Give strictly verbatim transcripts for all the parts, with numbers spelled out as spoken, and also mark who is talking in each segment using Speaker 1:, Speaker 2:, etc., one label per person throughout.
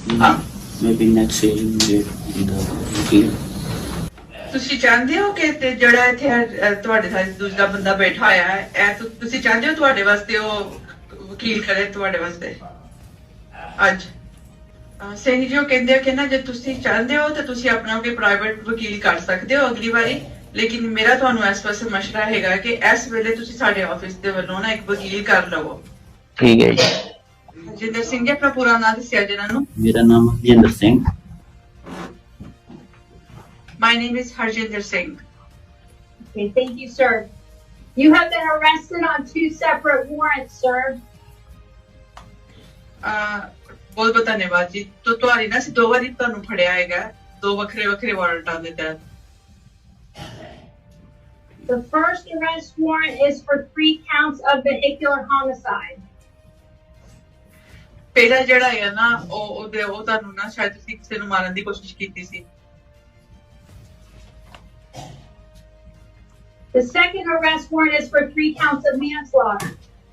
Speaker 1: हाँ
Speaker 2: maybe next hearing date in the appeal.
Speaker 1: ਤੁਸੀਂ ਚਾਹੁੰਦੇ ਹੋ ਕਿ ਤੇ ਜਿਹੜਾ ਇੱਥੇ ਅਹ, ਤੁਹਾਡੇ ਨਾਲ ਦੂਜਾ ਬੰਦਾ ਬੈਠਾ ਹੋਇਆ ਹੈ ਇਹ ਤੁ- ਤੁਸੀਂ ਚਾਹੁੰਦੇ ਹੋ ਤੁਹਾਡੇ ਵਾਸਤੇ ਉਹ ਵਕੀਲ ਕਰੇ ਤੁਹਾਡੇ ਵਾਸਤੇ ਅੱਜ ਅਹ, ਸਿੰਘ ਜੀ ਉਹ ਕਹਿੰਦੇ ਆ ਕਿ ਨਾ ਜੇ ਤੁਸੀਂ ਚਾਹੁੰਦੇ ਹੋ ਤਾਂ ਤੁਸੀਂ ਆਪਣਾ ਕੋਈ ਪ੍ਰਾਈਵੇਟ ਵਕੀਲ ਕਰ ਸਕਦੇ ਹੋ ਅਗਲੀ ਵਾਰੀ ਲੇਕਿਨ ਮੇਰਾ ਤੁਹਾਨੂੰ ਇਸ ਵਾਸਤੇ ਮਸ਼ਵਰਾ ਹੈਗਾ ਕਿ ਇਸ ਵੇਲੇ ਤੁਸੀਂ ਸਾਡੇ ਆਫਿਸ ਦੇ ਵੱਲੋਂ ਨਾ ਇੱਕ ਵਕੀਲ ਕਰ ਲਵੋ
Speaker 2: ठीक है जी।
Speaker 1: ਹਰਜਿੰਦਰ ਸਿੰਘ ਜੀ ਆਪਣਾ ਪੂਰਾ ਨਾਮ ਦੱਸਿਆ ਜੀ ਇਹਨਾਂ ਨੂੰ
Speaker 2: मेरा नाम Harjinder Singh.
Speaker 1: My name is Harjinder Singh.
Speaker 3: Okay, thank you, sir. You have been arrested on two separate warrants, sir.
Speaker 1: ਅਹ, ਬਹੁਤ ਬਹੁਤ ਧੰਨਵਾਦ ਜੀ ਤੋ ਤੁਹਾਡੀ ਨਾ ਅਸੀਂ ਦੋ ਵਾਰੀ ਤੁਹਾਨੂੰ ਫੜਿਆ ਹੈਗਾ ਦੋ ਵੱਖਰੇ ਵੱਖਰੇ ਵਾਰੰਟਾਂ ਦੇ ਤਹਿਤ
Speaker 3: The first arrest warrant is for three counts of vehicular homicide.
Speaker 1: ਪਹਿਲਾ ਜਿਹੜਾ ਹੈ ਨਾ ਉਹ ਉਹਦੇ ਉਹ ਤੁਹਾਨੂੰ ਨਾ ਸ਼ਾਇਦ ਤੁਸੀਂ ਕਿਸੇ ਨੂੰ ਮਾਰਨ ਦੀ ਕੋਸ਼ਿਸ਼ ਕੀਤੀ ਸੀ
Speaker 3: The second arrest warrant is for three counts of manslaughter.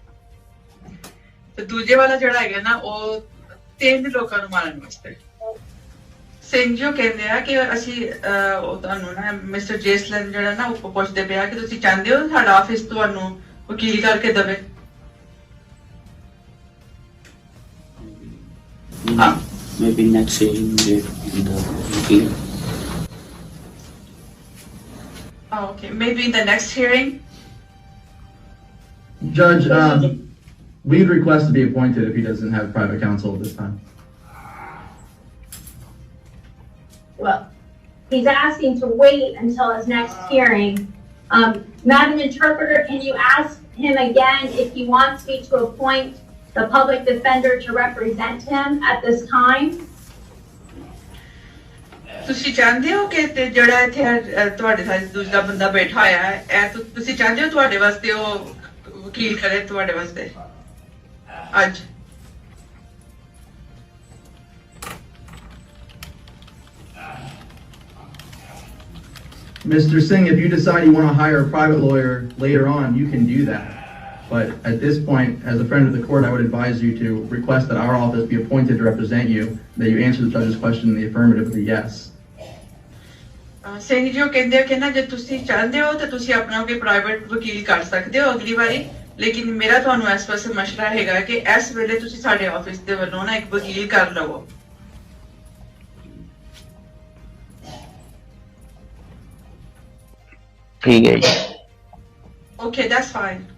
Speaker 1: ਤੇ ਦੂਜੇ ਵਾਲਾ ਜਿਹੜਾ ਹੈਗਾ ਨਾ ਉਹ ਤਿੰਨ ਲੋਕਾਂ ਨੂੰ ਮਾਰਨ ਵਾਸਤੇ ਸਿੰਘ ਜੀ ਉਹ ਕਹਿੰਦੇ ਆ ਕਿ ਅਸੀਂ ਅਹ, ਉਹ ਤੁਹਾਨੂੰ ਨਾ ਮਿਸਟਰ ਜੇਸਲਨ ਜਿਹੜਾ ਨਾ ਉਹ ਪੁੱਛਦੇ ਪਿਆ ਕਿ ਤੁਸੀਂ ਚਾਹੁੰਦੇ ਹੋ ਸਾਡਾ ਆਫਿਸ ਤੁਹਾਨੂੰ ਵਕੀਲ ਕਰਕੇ ਦੇਵੇ
Speaker 2: Maybe, maybe next hearing date in the appeal.
Speaker 1: Oh, okay. Maybe in the next hearing.
Speaker 4: Judge, um, we'd request to be appointed if he doesn't have private counsel at this time.
Speaker 3: Well, he's asking to wait until his next hearing. Um, Madam Interpreter, can you ask him again if he wants me to appoint the public defender to represent him at this time?
Speaker 1: ਤੁਸੀਂ ਚਾਹੁੰਦੇ ਹੋ ਕਿ ਤੇ ਜਿਹੜਾ ਇੱਥੇ ਅਹ, ਤੁਹਾਡੇ ਨਾਲ ਦੂਜਾ ਬੰਦਾ ਬੈਠਾ ਹੋਇਆ ਹੈ ਇਹ ਤੁ- ਤੁਸੀਂ ਚਾਹੁੰਦੇ ਹੋ ਤੁਹਾਡੇ ਵਾਸਤੇ ਉਹ ਵਕੀਲ ਕਰੇ ਤੁਹਾਡੇ ਵਾਸਤੇ ਅੱਜ
Speaker 4: Mister Singh, if you decide you want to hire a private lawyer later on, you can do that. But at this point, as a friend of the court, I would advise you to request that our office be appointed to represent you, that you answer the judge's question in the affirmative with a yes.
Speaker 1: ਅਹ, ਸਿੰਘ ਜੀ ਉਹ ਕਹਿੰਦੇ ਆ ਕਿ ਨਾ ਜੇ ਤੁਸੀਂ ਚਾਹੁੰਦੇ ਹੋ ਤਾਂ ਤੁਸੀਂ ਆਪਣਾ ਕੋਈ ਪ੍ਰਾਈਵੇਟ ਵਕੀਲ ਕਰ ਸਕਦੇ ਹੋ ਅਗਲੀ ਵਾਰੀ ਲੇਕਿਨ ਮੇਰਾ ਤੁਹਾਨੂੰ ਇਸ ਵਾਸਤੇ ਮਸ਼ਵਰਾ ਹੈਗਾ ਕਿ ਇਸ ਵੇਲੇ ਤੁਸੀਂ ਸਾਡੇ ਆਫਿਸ ਦੇ ਵੱਲੋਂ ਨਾ ਇੱਕ ਵਕੀਲ ਕਰ ਲਵੋ
Speaker 2: ठीक है जी।
Speaker 1: Okay, that's fine.